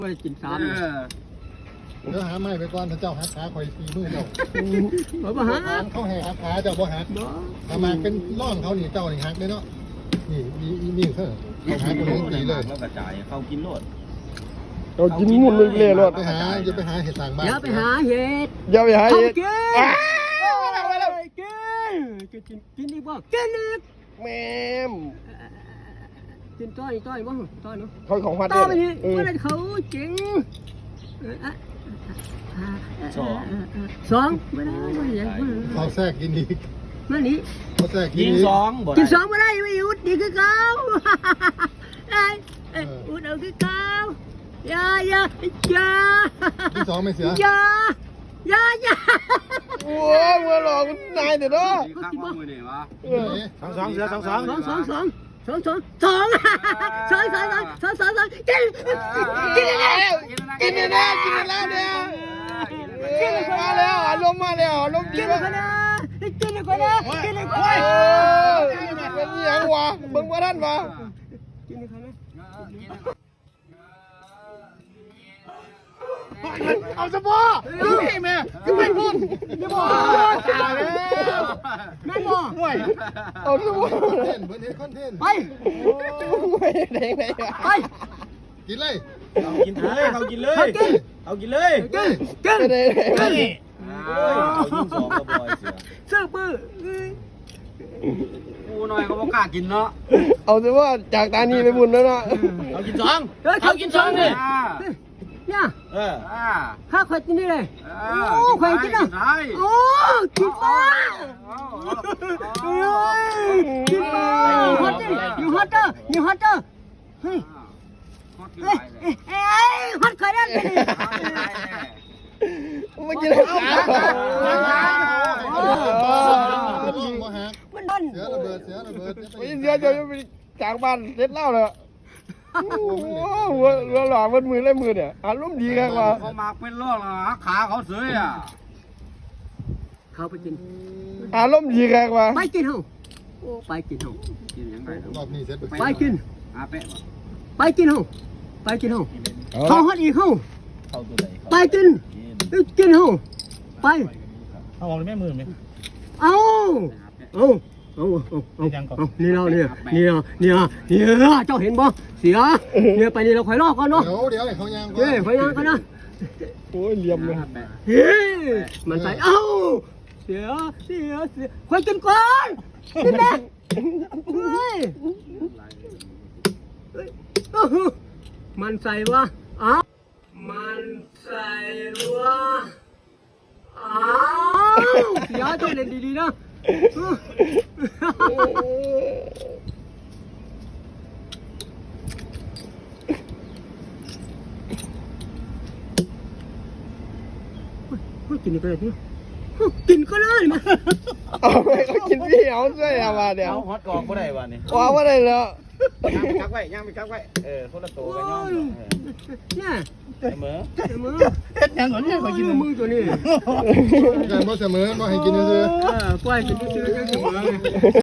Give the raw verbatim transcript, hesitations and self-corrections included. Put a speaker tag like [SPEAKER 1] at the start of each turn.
[SPEAKER 1] ไปกินสาม
[SPEAKER 2] เดี๋ยวหาไม้ไปก่อนถ้าเจ้าหักขาคอยตีมือเจ้า
[SPEAKER 1] เขาบ่หัก
[SPEAKER 2] เขาแห่หักขาเจ้าบ่หักทำมาเป็นร่องเขาหนีเจ้าหนีหักเลยเนาะนี่มีมีเขาเขาหาคนนี้ตีเลย
[SPEAKER 3] แล้วกระจายเขากินโลด
[SPEAKER 4] เรากินมุ่นเลยเลยรถ
[SPEAKER 2] ไปหาจะไปหาเห็ดต่างบ้าน
[SPEAKER 1] อย่าไปหาเห็ด
[SPEAKER 4] อย่าไปหาเห็ด
[SPEAKER 1] กินกินกินอีกบ่กินอีก
[SPEAKER 4] แม่ม
[SPEAKER 1] กินต้อยต้อยบ่ต้อยเนาะ
[SPEAKER 4] เขาของพัด
[SPEAKER 1] ต้อยไปนี่ว่าเขาจริงสองสองไม่ได้ไม่ได้
[SPEAKER 2] เขาแทรกกินดี
[SPEAKER 1] มานี่
[SPEAKER 2] เขาแทรกกิน
[SPEAKER 3] สอง
[SPEAKER 1] กินสองไม่ได้ไม่อุดดีคือเขาได้อุดเอาคือเขาอย่าอย่าอย่า
[SPEAKER 2] กินสองไม่เสีย
[SPEAKER 1] อย่าอย่าอย่า
[SPEAKER 4] โอ้ยมือหลอกนายเดี๋ยวนะ
[SPEAKER 3] สองสองเสือสองสอง
[SPEAKER 1] สองสองสองสองสองสองสองสองสองสองสองสองกินกินแล้ว
[SPEAKER 4] กินแล้วกินแล้วเนี่ยกินมาแล้วอารมณ์มาแล้วอารมณ์ดี
[SPEAKER 1] กินคนนะกินคนนะกินคนนะ
[SPEAKER 4] เป็นยังวะเบิ่งว่าท่านวะ
[SPEAKER 1] กินคนนะ
[SPEAKER 4] เอาสปอร์พี่แม่ก็ไม่พูดไม่บอก
[SPEAKER 1] ไม่บอก
[SPEAKER 4] เอาสปอร์
[SPEAKER 2] เต้นเบิร์ดคอนเทนต์
[SPEAKER 1] ไป
[SPEAKER 4] ไม่ได้ไง
[SPEAKER 1] ไป
[SPEAKER 2] กินเลย
[SPEAKER 3] เขากินเลยเขากินเลยเขากินเลย
[SPEAKER 1] กินกิน
[SPEAKER 4] ไม่ได้ไง
[SPEAKER 3] เขายิงสองกระบอกเสือ
[SPEAKER 1] เสื้อปื้อ
[SPEAKER 3] กูหน่อยเขาบอกกล้ากินเนาะ
[SPEAKER 4] เอาแต่ว่าจากตานีไปบุญแล้วเนาะ
[SPEAKER 3] เขากินสองเขากินสองเลย
[SPEAKER 1] เนี่ย
[SPEAKER 3] เออ
[SPEAKER 1] ข้าขวดกินนี่เลยโอ้ขวดกินอ่ะโอ้กินฟ้ากินฟ้าอยู่ฮอตเตอร์อยู่ฮอตเตอร์อยู่ฮอตเตอร์เฮ้ยเฮ้ยเฮ้ยฮอตขวดนั่นเลย
[SPEAKER 4] ไม่กินแล้ว
[SPEAKER 1] มันนั่น
[SPEAKER 2] เสือระเบิดเสือระเบิด
[SPEAKER 4] ไม่เสือจะไปจากบ้านเสร็จแล้วเลยหัวหัวหล่อมันมือเล่มือเนี่ยอารมณ์ดีกันว่า
[SPEAKER 3] เขามาเป็นโรคเหรอขาเขาเสืออ่ะ
[SPEAKER 1] เขาไปกิน
[SPEAKER 4] อารมณ์ดีกันว่า
[SPEAKER 1] ไปกินเหรอไปกินเหรอ
[SPEAKER 3] กินยังไง
[SPEAKER 2] รอบนี้เสร็จ
[SPEAKER 1] ไปกิน
[SPEAKER 3] อาเป๊ะ
[SPEAKER 1] ไปกินเหรอไปกินเหรอเขาฮอตอีกเหรอไปกินกินเหรอไป
[SPEAKER 3] เอาออกเลยแม่มือไหม
[SPEAKER 1] เอาเอาเอาเอาเอาเอานี่เราเนี่ยนี่เราเนี่ยเนี่ยเจ้าเห็นบ่เสียเนี่ยไปนี่เราคอยลอกก่อนเนาะ
[SPEAKER 2] เดี๋ยวเดี๋ยวเขายัง
[SPEAKER 1] เฮ้ยคอยยังก่อนนะ
[SPEAKER 4] โอ้ยเหลี่ยมเลย
[SPEAKER 1] เฮ้ยมันใส่เอ้าเสียเสียเสียคอยกินก่อนกินแม่เฮ้ยมันใส่วะอ้าวมันใส่วะอ้าวเสียเจ้าเล่นดีๆนะกินก็ได้ที่กินก็ได้มา
[SPEAKER 4] เอาไปเขากินพี่เอาใช่ไหมเดี๋ยว
[SPEAKER 3] ฮอตกองก็ได้วันนี้
[SPEAKER 4] ว้าวอะไรแล้ว
[SPEAKER 3] ย่างไปกักไว้ย่างไปกักไว้เออคนละตัวกันย่าง
[SPEAKER 1] เนี่ย
[SPEAKER 3] เสมอ
[SPEAKER 1] เสมอ
[SPEAKER 3] เฮ็ดยังก่อนเนี่ยขอกิน
[SPEAKER 1] มือตัวนี้
[SPEAKER 2] แต่บ่เสมอบ่ให้กินซื้อ
[SPEAKER 1] เออปล่อยกินซื้อเสมอ